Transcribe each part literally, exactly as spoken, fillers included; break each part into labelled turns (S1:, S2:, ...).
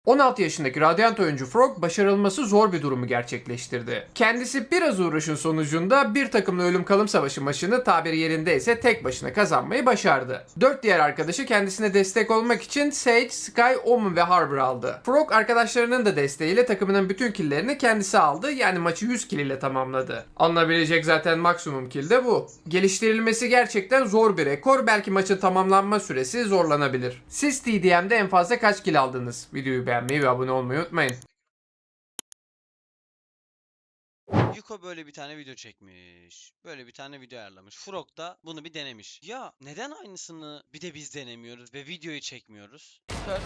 S1: on altı yaşındaki Radiant oyuncu Frog başarılması zor bir durumu gerçekleştirdi. Kendisi biraz uğraşın sonucunda bir takımla ölüm kalım savaşı maçını tabiri yerinde ise tek başına kazanmayı başardı. dört diğer arkadaşı kendisine destek olmak için Sage, Sky, Omen ve Harbor aldı. Frog arkadaşlarının da desteğiyle takımının bütün killerini kendisi aldı, yani maçı yüz kill ile tamamladı. Alınabilecek zaten maksimum kill de bu. Geliştirilmesi gerçekten zor bir rekor, belki maçın tamamlanma süresi zorlanabilir. Siz T D M'de en fazla kaç kill aldınız? Videoyu beğenmeyi ve abone olmayı unutmayın.
S2: Yuko böyle bir tane video çekmiş. Böyle bir tane video ayarlamış. Frog da bunu bir denemiş. Ya neden aynısını bir de biz denemiyoruz ve videoyu çekmiyoruz?
S3: Kör.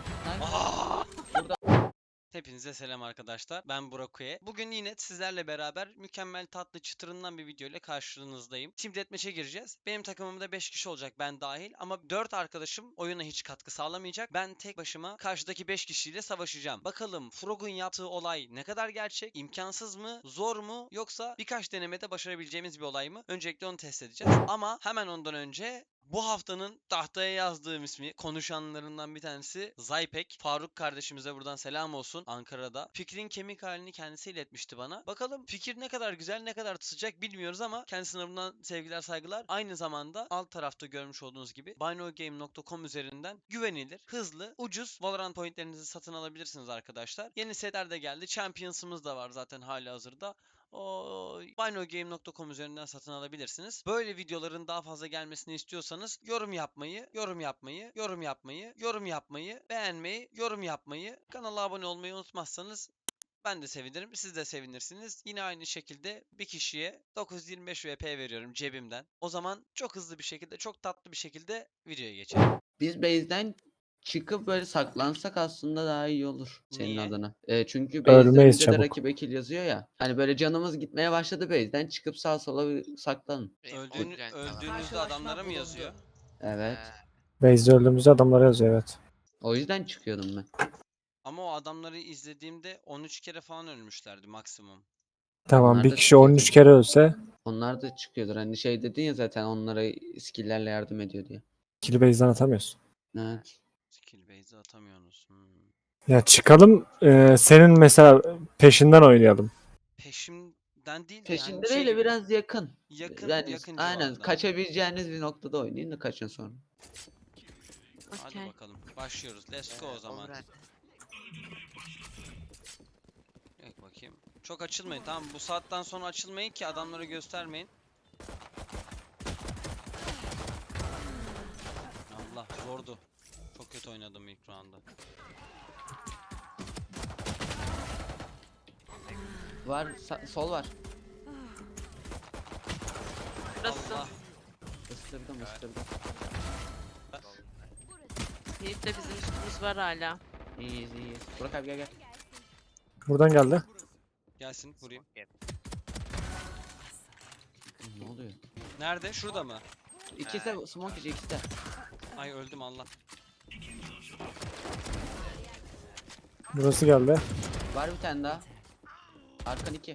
S2: Aa!
S3: Burada.
S2: Hepinize selam arkadaşlar. Ben Burak Uye. Bugün yine sizlerle beraber mükemmel tatlı çıtırından bir video ile karşınızdayım. Team Deathmatch'e gireceğiz. Benim takımımda beş kişi olacak, ben dahil, ama dört arkadaşım oyuna hiç katkı sağlamayacak. Ben tek başıma karşıdaki beş kişiyle savaşacağım. Bakalım Frog'un yaptığı olay ne kadar gerçek, imkansız mı, zor mu, yoksa birkaç denemede başarabileceğimiz bir olay mı? Öncelikle onu test edeceğiz. Ama hemen ondan önce bu haftanın tahtaya yazdığım ismi, konuşanlarından bir tanesi Zaypek. Faruk kardeşimize buradan selam olsun, Ankara'da. Fikrin kemik halini kendisi iletmişti bana. Bakalım fikir ne kadar güzel, ne kadar tutacak bilmiyoruz ama kendisine buradan sevgiler, saygılar. Aynı zamanda alt tarafta görmüş olduğunuz gibi binogame nokta com üzerinden güvenilir, hızlı, ucuz Valorant pointlerinizi satın alabilirsiniz arkadaşlar. Yeni setler de geldi. Champions'ımız da var zaten hali hazırda. O binogame nokta com üzerinden satın alabilirsiniz. Böyle videoların daha fazla gelmesini istiyorsanız yorum yapmayı, yorum yapmayı, yorum yapmayı, yorum yapmayı, beğenmeyi, yorum yapmayı, kanala abone olmayı unutmazsanız ben de sevinirim, siz de sevinirsiniz. Yine aynı şekilde bir kişiye dokuz yüz yirmi beş V P veriyorum cebimden. O zaman çok hızlı bir şekilde, çok tatlı bir şekilde videoya geçelim.
S3: Biz base'den çıkıp böyle saklansak aslında daha iyi olur senin
S2: Niye?
S3: adına. E, çünkü base'den
S4: Ölmeyiz
S3: önce de
S4: çabuk.
S3: rakip kill yazıyor ya. Hani böyle canımız gitmeye başladı base'den çıkıp sağa sola bir saklanın.
S2: Öldüğünü, öldüğünüzde adamlara mı yazıyor?
S3: Evet.
S4: Base'de öldüğümüzde adamlara yazıyor, evet.
S3: O yüzden çıkıyordum ben.
S2: Ama o adamları izlediğimde on üç kere falan ölmüşlerdi maksimum.
S4: Tamam,
S3: Onlar
S4: bir
S3: da
S4: kişi on üç
S3: çıkıyordu.
S4: kere ölse
S3: Onlar da çıkıyordur. Hani şey dedin ya zaten onlara skill'lerle yardım ediyor diye.
S4: kill'i base'den atamıyorsun.
S3: Evet.
S2: Skill base'i atamıyorsunuz. Hmm.
S4: Ya çıkalım, e, senin mesela peşinden oynayalım.
S2: Peşimden değil de
S3: Peşinde
S2: yani
S3: değil
S2: şey
S3: de
S2: gibi,
S3: biraz yakın.
S2: yakın
S3: Yani
S2: yakın
S3: aynen
S2: civarda.
S3: kaçabileceğiniz bir noktada oynayın da kaçın sonra.
S2: Hadi
S5: Okey.
S2: bakalım. Başlıyoruz. Let's go o zaman. Evet, bakayım. Çok açılmayın, tamam, bu saatten sonra açılmayın ki adamları göstermeyin. Allah, zordu. Çok kötü oynadım ilk round'da.
S3: Var sa- sol var.
S5: Burası.
S2: Allah.
S3: Isırdım ısırdım.
S5: Yiğit de bizim üstümüz var hala.
S3: İyiyiz iyiyiz. Burak abi gel gel.
S4: Buradan geldi.
S2: Gelsin, vurayım.
S3: Ne oluyor?
S2: Nerede? Şurada mı?
S3: İkisi de smoke içi ikisi de.
S2: Ay, öldüm Allah.
S4: Burası geldi.
S3: Var bir tane daha. Arkan iki.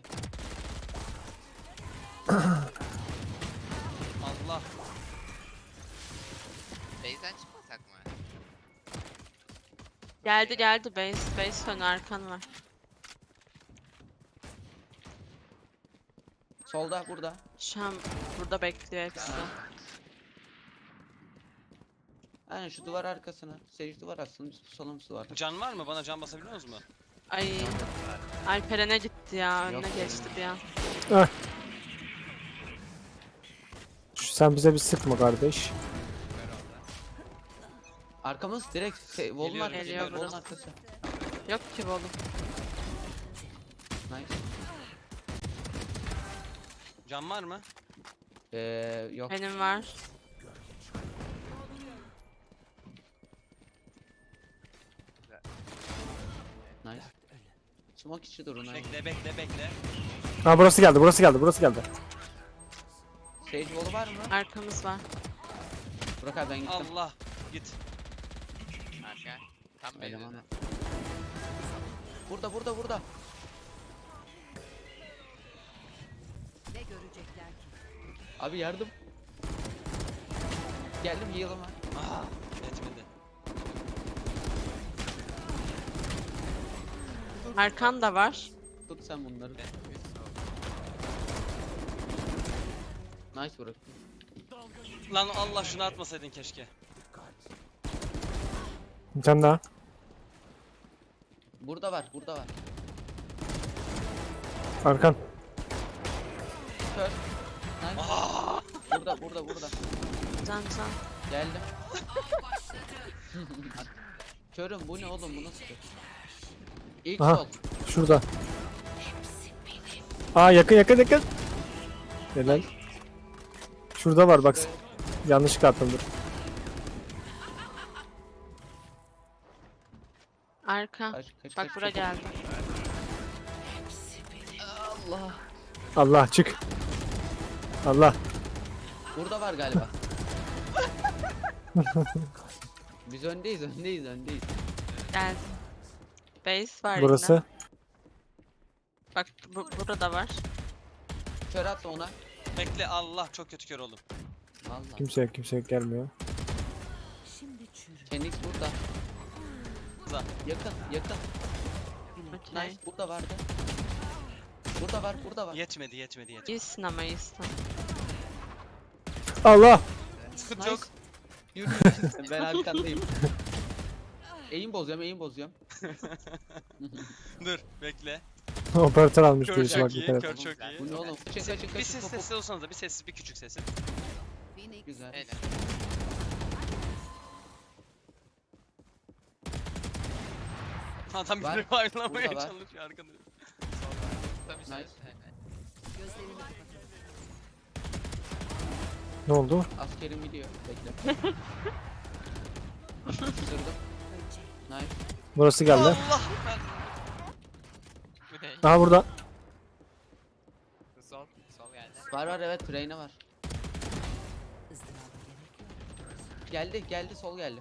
S2: Allah.
S6: Base'den çıkmasak mı?
S5: Geldi geldi base. Base ön arkan var.
S3: Solda burada.
S5: Şu an burada bekliyor hepsi.
S3: Aynen şu duvar arkasına. Sage duvar aslında biz pusalım şu duvarda.
S2: Can var mı? Bana can basabiliyor musunuz mu?
S5: Ay. Alperen'e gitti ya. Önüne
S3: Yok.
S5: geçti bir an.
S4: Şu- Sen bize bir sıkma kardeş.
S3: Arkamız direkt se- wall'un
S2: Geliyorum,
S3: arkası.
S5: geliyor
S3: Wall'un
S5: burası.
S3: arkası.
S5: Yok ki oğlum.
S3: Nice.
S2: Can var mı?
S3: Ee, yok.
S5: Benim var.
S3: Nice. Smoke içi durun. aynen.
S2: Bekle bekle bekle.
S4: Ha, burası geldi, burası geldi, burası geldi.
S3: Sage wall'u var mı?
S5: Arkamız var.
S3: Burak abi ben gittim.
S2: Allah. Git.
S6: Arka. Tam
S3: Eleman.
S6: base'den.
S3: Burada burada burada.
S7: Ne görecekler ki?
S3: Abi yardım. Geldim heal'ıma.
S2: Ah, etmedi.
S5: Arkan da var.
S3: Tut sen bunları.
S6: Ben bir sol.
S3: Nice bırak.
S2: Lan Allah şunu atmasaydın keşke.
S4: Bir tane daha.
S3: Burada var, burada var.
S4: Arkan.
S3: Kör. Nice. Burada, burada, burada.
S5: Can can.
S3: Geldim. Körüm, bu ne oğlum, bu nasıl kör? İlk
S4: Aha.
S3: sol.
S4: Şurada. Aa yakın yakın yakın. Helal. Şurada var bak. Yanlışlıkla attım dur.
S5: Arka.
S3: Kaç, kaç,
S5: Bak
S3: kaç,
S5: bura
S3: kaç.
S5: geldi.
S3: Allah.
S4: Allah çık. Allah.
S3: Burada var galiba. Biz öndeyiz, öndeyiz, öndeyiz.
S5: Geldi. Base var
S4: Burası.
S5: yine. Bak bu, burada var.
S3: Kör at ona.
S2: Bekle Allah çok kötü kör oldum.
S3: Allah.
S4: Kimse yok kimse yok gelmiyor.
S7: Şimdi çürü.
S3: Phoenix burada.
S2: Za.
S3: Yakın, yakın.
S5: Okey.
S3: Nice, burada vardı. Burada var, burada var.
S2: Yetmedi yetmedi yetmedi.
S5: İyisin ama iyisin.
S4: Allah.
S2: Sıkıntı
S3: Nice.
S2: yok.
S3: Yürü. Ben arkandayım. Eğim bozuyorum, eğim bozuyorum.
S2: Dur bekle.
S4: Operatör almış
S2: Kör
S4: birisi bak
S2: çok iyi,
S4: dikkat
S2: kör
S4: et.
S2: çok iyi.
S3: Bu ne oğlum? Kaçın, kaçın,
S2: Bir
S3: kaçın.
S2: ses
S3: Hop, hop.
S2: sessiz olsanız da bir sessiz bir küçük sessiz.
S7: Phoenix.
S3: Güzel.
S6: Helal.
S2: Adam
S3: Var.
S2: biri ayrılamaya
S3: Burada var.
S2: çalışıyor arkada.
S6: Tabii
S3: Nice.
S6: nice.
S7: Gözlerini kapatalım.
S4: Ne oldu?
S3: Askerim gidiyor. Bekle. Isırdım. Nice.
S4: Burası geldi.
S2: Allah ben
S6: Bu ne?
S4: Aha burada.
S6: Sol. Sol geldi.
S3: Var var evet, Reyna var.
S7: Izdıraba gerek yok.
S3: Geldi, geldi, sol geldi.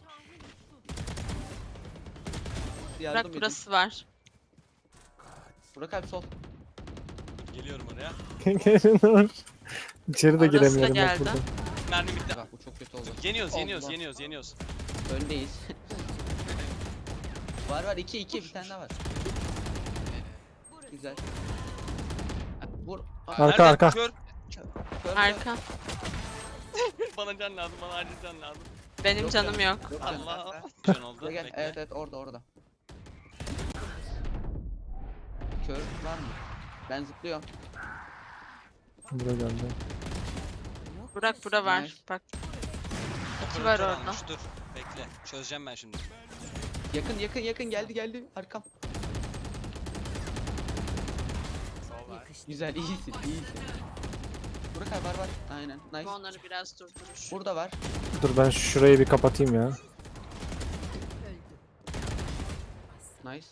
S5: Bırak
S3: Yardım edin.
S5: burası var.
S3: Burak abi sol.
S2: geliyorum oraya.
S4: İçeri de
S5: Orası da
S4: giremiyorum bak
S5: geldi.
S4: burada.
S2: Mermi bitti.
S3: Bak bu çok kötü oldu.
S2: Yeniyoruz yeniyoruz
S3: Allah.
S2: yeniyoruz yeniyoruz.
S3: Öndeyiz. Var var, iki iki, bir tane daha var. Güzel. Vur. Aa,
S4: Arka,
S2: Nerede?
S4: arka.
S2: Kör.
S3: kör, kör.
S5: Arka.
S2: Bana can lazım bana acil can lazım.
S5: Benim
S3: Yok
S5: canım
S3: canım.
S5: yok.
S3: Yok canım.
S2: Allah. Can oldu.
S3: Gel, gel.
S2: Bekle.
S3: Evet evet, orada orada. Kör var mı? Ben zıplıyorum.
S4: Burada geldi.
S5: Burak bura var.
S3: Nice.
S5: Bak. İki
S2: Operatör
S5: var orada.
S2: almış, Dur. Bekle. Çözeceğim ben şimdi.
S3: Yakın yakın yakın, geldi geldi arkam.
S6: Sol var.
S7: Yakıştı.
S3: Güzel, iyisin iyisin. Burak abi var var. Aynen. Nice.
S5: Bu onları biraz durdurur.
S3: Burada var.
S4: Dur ben şurayı bir kapatayım ya.
S7: Öldü.
S3: Nice.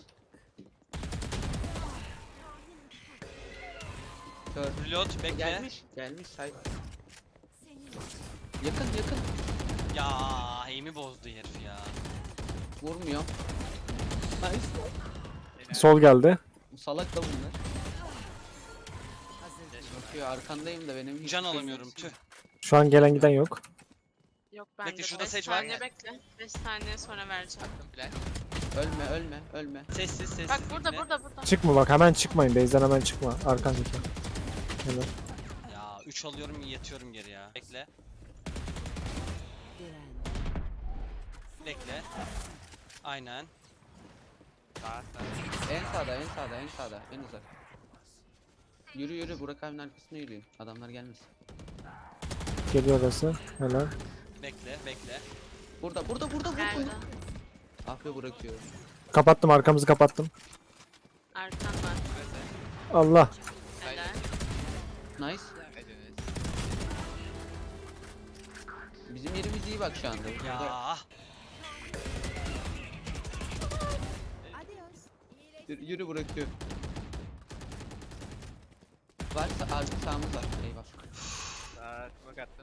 S3: Kör.
S2: Reload bekle.
S3: Gelmiş. Gelmiş say. Yakın yakın.
S2: Ya aim'i bozdu herif ya.
S3: Vurmuyor. Nice.
S4: Sol geldi.
S3: Salak da bunlar.
S7: Hazır değil.
S3: Bakıyor arkandayım da benim hiç
S2: Can
S3: şeyim
S2: alamıyorum
S3: yok.
S2: tüh.
S4: Şu an gelen giden yok.
S5: Yok bende.
S2: Bekle, şurada
S5: beş
S2: Sage var.
S5: saniye bekle. beş saniye sonra vereceğim.
S6: Attım flash.
S3: Ölme ölme ölme.
S2: Sessiz sessiz.
S5: Bak burada
S2: dinle.
S5: burada burada.
S4: Çıkma bak hemen çıkmayın. Base'den hemen çıkma. Arkandaki. Helal.
S2: Ya üç alıyorum yatıyorum geri ya. Bekle.
S7: Diren.
S2: Bekle. Aynen.
S6: Sağ sağ.
S3: En sağda en sağda en sağda en uzak. Yürü yürü, Burak abinin arkasına yürüyün. Adamlar gelmesin.
S4: Geliyor orası. Helal.
S2: Bekle bekle.
S3: Burada burada burada
S5: Geldi.
S3: burada. Ah be, bırakıyorum.
S4: Kapattım arkamızı kapattım.
S5: Arkan var.
S4: Allah.
S5: Helal.
S3: Nice.
S6: Ediniz.
S3: Bizim yerimiz iyi bak şu anda. Burada
S2: Ya.
S3: yürü, yürü bırakıyorum. Varsa arka sağımız var. Eyvah.
S6: Sağ smoke attım.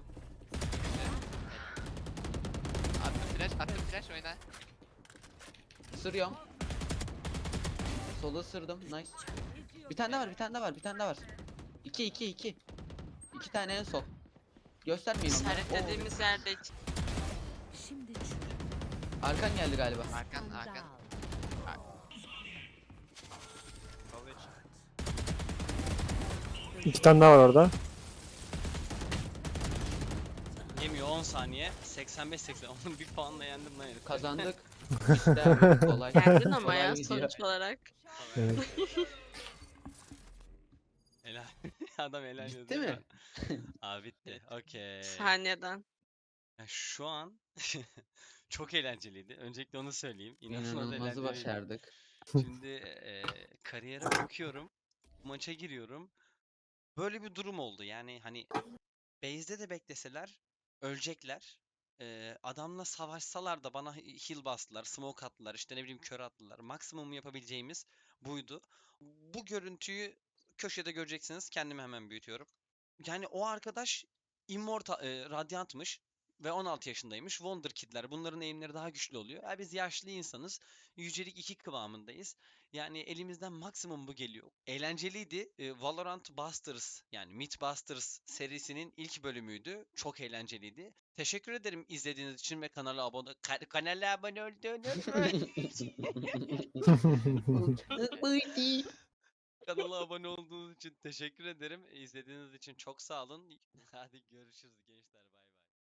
S6: Attım flash, attım flash oyna.
S3: Isırıyorum. Sola ısırdım. Nice. Bir tane daha var, bir tane daha var, bir tane daha var. İki, iki, iki. İki tane en sol. Göstermeyin onları.
S5: İşaretlediğimiz yerde iki.
S7: Şimdi çürü.
S3: Oo, arkan geldi galiba.
S6: Arkan, arkan.
S7: Dağıl.
S4: İki tane daha var orada.
S2: Yemiyor on saniye. seksen beş seksen. Onun bir puanla yendim lan herif.
S3: Kazandık. İşte abi, kolay.
S5: Geldin ama
S3: Kolay
S5: ya
S3: gidiyor.
S5: sonuç olarak.
S4: Evet.
S2: Helal. Adam helal
S3: Bitti
S2: yazıyor
S3: mi?
S2: da. Abi bitti. Okey.
S5: Saniyeden.
S2: Ya şu an çok eğlenceliydi. Öncelikle onu söyleyeyim. İnanılmaz
S3: İnanılmazı
S2: eğlenceliydi.
S3: başardık.
S2: Şimdi eee kariyere bakıyorum. Maça giriyorum. Böyle bir durum oldu. Yani hani base'de de bekleseler ölecekler. Eee, adamla savaşsalar da bana heal bastılar, smoke attılar, işte ne bileyim kör attılar. Maksimum yapabileceğimiz buydu. Bu görüntüyü köşede göreceksiniz. Kendimi hemen büyütüyorum. Yani o arkadaş Immortal, e, Radiant'mış ve on altı yaşındaymış. Wonderkid'ler. Bunların aim'leri daha güçlü oluyor. Ya biz yaşlı insanız. Yücelik iki kıvamındayız. Yani elimizden maksimum bu geliyor. Eğlenceliydi. E, Valorant Busters yani Mythbusters serisinin ilk bölümüydü. Çok eğlenceliydi. Teşekkür ederim izlediğiniz için ve kanala abone ka- kanala abone olduğunuz kanala abone olduğunuz için teşekkür ederim. İzlediğiniz için çok sağ olun. Hadi görüşürüz gençler. Bay bay.